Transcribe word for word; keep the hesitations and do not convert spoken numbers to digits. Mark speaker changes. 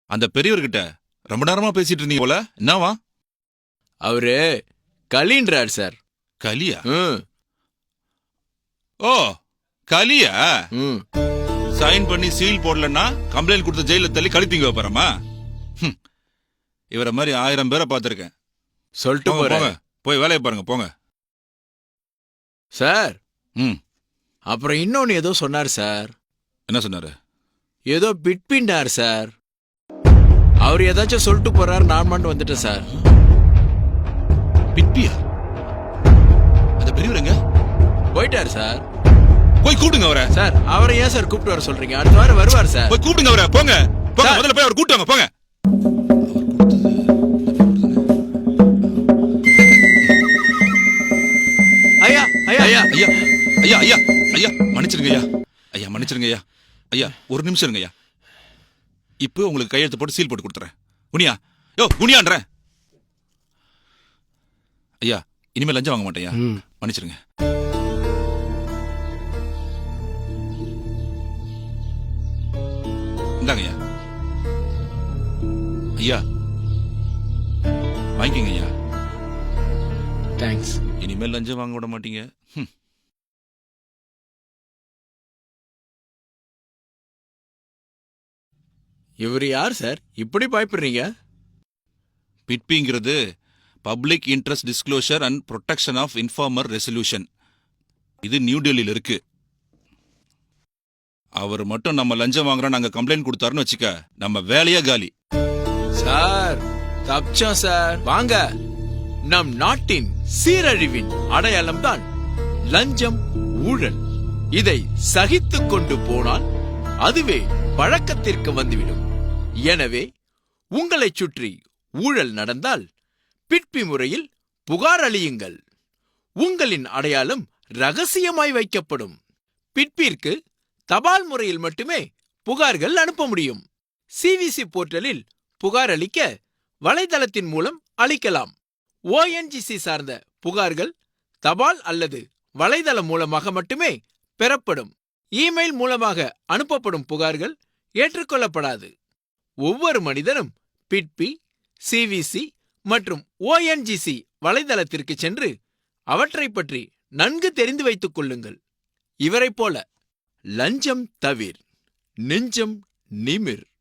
Speaker 1: அந்த பெரியவர்கிட்ட ரொம்ப நேரமா பேசிட்டு இருந்தீங்க போல, என்னவா?
Speaker 2: அவரு கலின்றார் சார்.
Speaker 1: கலியா?
Speaker 2: ம்
Speaker 1: ஓ, கலியா?
Speaker 2: ம்
Speaker 1: சைன் பண்ணி சீல் போடலன்னா கம்ப்ளைண்ட் கொடுத்த ஜெயில தள்ளி கழித்தீங்க வைப்பாரமா? இவரை மாதிரி ஆயிரம் பேரை பார்த்திருக்கேன்.
Speaker 2: சொல்லிட்டு
Speaker 1: போங்க,
Speaker 2: போறேன்
Speaker 1: போங்க, போய் வேலையை பாருங்க, போங்க.
Speaker 2: சார்.
Speaker 1: ம்
Speaker 2: அப்புறம் இன்னொன்னு ஏதோ சொன்னார் சார்.
Speaker 1: என்ன சொன்னாரு?
Speaker 2: ஏதோ பிட்பிண்டார் சார். அவர் ஏதாச்சும் சொல்லிட்டு போறாரு, நான் மட்டும் வந்துட்டேன் சார்.
Speaker 1: பிட்பியா? அந்த பெரியவர் எங்க?
Speaker 2: போயிட்டார் சார்.
Speaker 1: போய் கூப்பிடுங்க அவரை.
Speaker 2: சார், அவரை ஏன் சார் கூப்பிட்டு வர சொல்றீங்க? அடுத்த வாரம் வருவார் சார்.
Speaker 1: போய் கூப்பிடுங்க அவரை, போங்க போங்க,
Speaker 2: சார்.
Speaker 1: முதல்ல போய் அவர் கூப்பிட்டு வாங்க, போங்க.
Speaker 2: ஐயா ஐயா ஐயா
Speaker 1: ஐயா ஐயா ஐயா ஐயா மன்னிச்சிருங்க ஐயா. ஐயா மன்னிச்சிருங்க ஐயா. ஐயா ஒரு நிமிஷம் இருங்க ஐயா. இப்போ உங்களுக்கு கையெழுத்து போட்டு சீல் போட்டு கொடுத்துறேன். குனியா, யோ குனியான்றேன். ஐயா இனிமேல் லஞ்சம் வாங்க மாட்டேன் ஐயா, மன்னிச்சிருங்க. இந்தாங்க ஐயா. ஐயா வாங்கிக்கங்க ஐயா.
Speaker 2: தேங்க்ஸ்.
Speaker 1: இனிமேல் லஞ்சம் வாங்க விட மாட்டீங்க. ம்.
Speaker 2: இவர் யார் சார்? இப்படி பயப்படுறீங்க?
Speaker 1: பிட்பிங்கிறது public interest disclosure and protection of informer resolution. இது நியூ டெல்லியில் இருக்கு. அவர் மட்டும் நம்ம லஞ்சம் வாங்குறோம் நாங்க கம்ப்ளைண்ட் கொடுத்தாருன்னு வச்சுக்க, நம்ம வேலையா காலி.
Speaker 2: சார் தப்பிச்சோம் சார். வாங்க. நம் நாட்டின் சீரழிவின் அடையாளம் தான் லஞ்சம், ஊழல். இதை சகித்துக் கொண்டு போனால் அதுவே பழக்கத்திற்கு வந்துவிடும். எனவே உங்களைச் சுற்றி ஊழல் நடந்தால் பிட்பி முறையில் புகார் அளியுங்கள். உங்களின் அடையாளம் ரகசியமாய் வைக்கப்படும். பிட்பிற்கு தபால் முறையில் மட்டுமே புகார்கள் அனுப்ப முடியும். சிவிசி போர்ட்டலில் புகார் அளிக்க வலைதளத்தின் மூலம் அளிக்கலாம். ஓஎன்ஜிசி சார்ந்த புகார்கள் தபால் அல்லது வலைதளம் மூலமாக மட்டுமே பெறப்படும். இமெயில் மூலமாக அனுப்பப்படும் புகார்கள் ஏற்றுக்கொள்ளப்படாது. ஒவ்வொரு மனிதனும் பிட்பி, சிவிசி மற்றும் ஓஎன்ஜிசி வலைதளத்திற்கு சென்று அவற்றை பற்றி நன்கு தெரிந்து வைத்துக் கொள்ளுங்கள். இவரைப் போல லஞ்சம் தவிர், நெஞ்சம் நிமிர்.